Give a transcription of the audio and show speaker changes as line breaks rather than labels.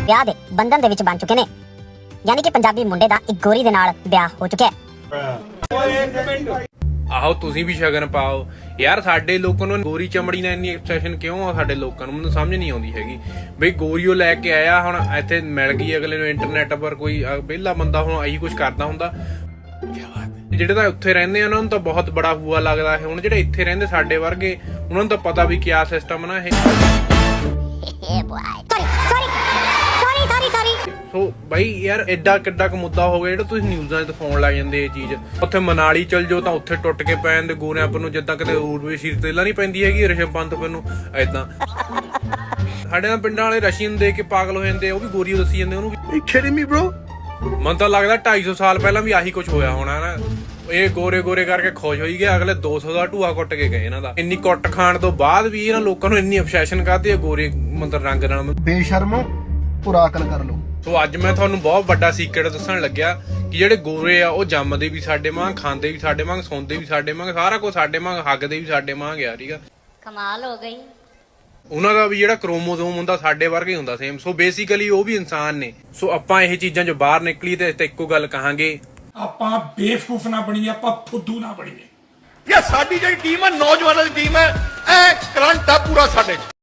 ਵਿਆਹ ਦੇ ਬੰਧਨ ਦੇ ਵਿੱਚ ਬਣ ਚੁੱਕੇ ਨੇ। ਯਾਨੀ ਕਿ ਪੰਜਾਬੀ ਮੁੰਡੇ ਦਾ ਇੱਕ ਗੋਰੀ ਦੇ ਨਾਲ ਵਿਆਹ ਹੋ ਚੁੱਕਿਆ ਹੈ।
ਆਹੋ ਤੁਸੀਂ ਵੀ ਸ਼ਗਨ ਪਾਓ ਯਾਰ। ਸਾਡੇ ਲੋਕਾਂ ਨੂੰ ਗੋਰੀ ਚਮੜੀ ਨਾਲ ਇੰਨੀ ਐਬਸੈਸ਼ਨ ਕਿਉਂ ਆ? ਸਾਡੇ ਲੋਕਾਂ ਨੂੰ ਮੈਨੂੰ ਸਮਝ ਨਹੀਂ ਆਉਂਦੀ ਹੈਗੀ ਬਈ ਗੋਰੀਓ ਲੈ ਕੇ ਆਇਆ, ਹੁਣ ਇੱਥੇ ਮਿਲ ਗਈ ਅਗਲੇ ਨੂੰ ਇੰਟਰਨੈਟ ਪਰ ਕੋਈ ਵਿਹਲਾ ਬੰਦਾ ਹੁਣ ਇਹੀ ਕੁਝ ਕਰਦਾ ਹੁੰਦਾ। ਜਿਹੜੇ ਤਾਂ ਉੱਥੇ ਰਹਿੰਦੇ ਆ ਉਹਨਾਂ ਨੂੰ ਤਾਂ ਬਹੁਤ ਬੜਾ ਹੂਆ ਲੱਗਦਾ ਹੈ। ਹੁਣ ਜਿਹੜੇ ਇੱਥੇ ਰਹਿੰਦੇ ਸਾਡੇ ਵਰਗੇ ਉਹਨਾਂ ਨੂੰ ਤਾਂ ਪਤਾ ਵੀ ਕਿਆ ਸਿਸਟਮ ਨਾ ਇਹ। ਸੋ ਬਾਈ ਯਾਰ ਐਡਾ ਕਿੱਡਾ ਕੁ ਮੁੱਦਾ ਹੋ ਗਿਆ ਜਿਹੜਾ ਤੁਸੀਂ ਨਿਊਜ਼ਾਂ 'ਚ ਦਿਖਾਉਣ ਲੱਗ ਜਾਂਦੇ ਇਹ ਚੀਜ਼। ਉੱਥੇ ਮਨਾਲੀ ਚਲ ਜਾਓ ਤਾਂ ਉੱਥੇ ਟੁੱਟ ਕੇ ਪੈ ਜਾਂਦੇ ਗੋਰਿਆਂ ਪਰ ਨੂੰ, ਜਿੱਦਾਂ ਕਿਤੇ ਊਰਵੇ ਸ਼ੀਰ ਤੇਲਾ ਨਹੀਂ ਪੈਂਦੀ ਹੈਗੀ ਰਿਸ਼ਵ ਪੰਤ ਪਰ ਨੂੰ ਏਦਾਂ। ਸਾਡੇ ਨਾਲ ਪਿੰਡਾਂ ਵਾਲੇ ਰਸ਼ੀਅਨ ਦੇ ਕੇ ਪਾਗਲ ਹੋ ਜਾਂਦੇ, ਉਹ ਵੀ ਗੋਰੀ ਦੱਸੀ ਜਾਂਦੇ ਉਹਨੂੰ ਵੀ। ਮੈਨੂੰ ਤਾਂ ਲੱਗਦਾ 250 ਸਾਲ ਪਹਿਲਾਂ ਵੀ ਆਹੀ ਕੁਝ ਹੋਇਆ ਹੋਣਾ ਨਾ। ਇਹ ਗੋਰੇ ਕਰਕੇ ਖੁਸ਼ ਹੋਈ ਗਏ, ਅਗਲੇ 200 ਦਾ ਢੂਆ ਕੁੱਟ ਕੇ ਗਏ ਇਹਨਾਂ ਦਾ। ਇੰਨੀ ਕੁੱਟ ਖਾਣ ਤੋਂ ਬਾਅਦ ਵੀ ਇਹਨਾਂ ਲੋਕਾਂ ਨੂੰ ਇੰਨੀ ਅਬਸੈਸ਼ਨ ਕਾਹਦੀ ਹੈ ਗੋਰੇ ਮਤਲਬ ਰੰਗ ਨਾਲ।
ਬੇਸ਼ਰਮੋ ਪੂਰਾ ਅਕਲ ਕਰ ਲੋ।
ਸੋ ਅੱਜ ਮੈਂ ਤੁਹਾਨੂੰ ਬਹੁਤ ਵੱਡਾ ਸੀਕ੍ਰੇਟ ਦੱਸਣ ਲੱਗਿਆ ਕਿ ਜਿਹੜੇ ਗੋਰੇ ਆ ਉਹ ਜੰਮਦੇ ਵੀ ਸਾਡੇ ਵਾਂਗ, ਖਾਂਦੇ ਵੀ ਸਾਡੇ ਵਾਂਗ, ਸੌਂਦੇ ਵੀ ਸਾਡੇ ਵਾਂਗ, ਸਾਰਾ ਕੁਝ ਸਾਡੇ ਵਾਂਗ, ਹੱਗਦੇ ਵੀ ਸਾਡੇ ਵਾਂਗ ਆ। ਠੀਕ ਆ,
ਕਮਾਲ ਹੋ ਗਈ।
ਉਹਨਾਂ ਦਾ ਵੀ ਜਿਹੜਾ ਕ੍ਰੋਮੋਸੋਮ ਹੁੰਦਾ ਸਾਡੇ ਵਰਗਾ ਹੀ ਹੁੰਦਾ ਸੇਮ। ਸੋ ਬੇਸਿਕਲੀ ਉਹ ਵੀ ਇਨਸਾਨ ਨੇ। ਸੋ ਆਪਾਂ ਇਹ ਚੀਜ਼ਾਂ ਚੋਂ ਬਾਹਰ ਨਿਕਲੀ ਤੇ ਇੱਕੋ ਗੱਲ ਕਹਾਂਗੇ,
ਆਪਾਂ ਬੇਵਕੂਫ ਨਾ ਬਣੀਏ, ਆਪਾਂ ਫੁੱਦੂ ਨਾ ਬਣੀਏ।
ਇਹ ਸਾਡੀ ਜਿਹੜੀ ਟੀਮ ਹੈ ਨੌਜਵਾਨਾਂ ਦੀ ਟੀਮ ਹੈ, ਐ ਕਰੰਟ ਆ ਪੂਰਾ ਸਾਡੇ 'ਚ।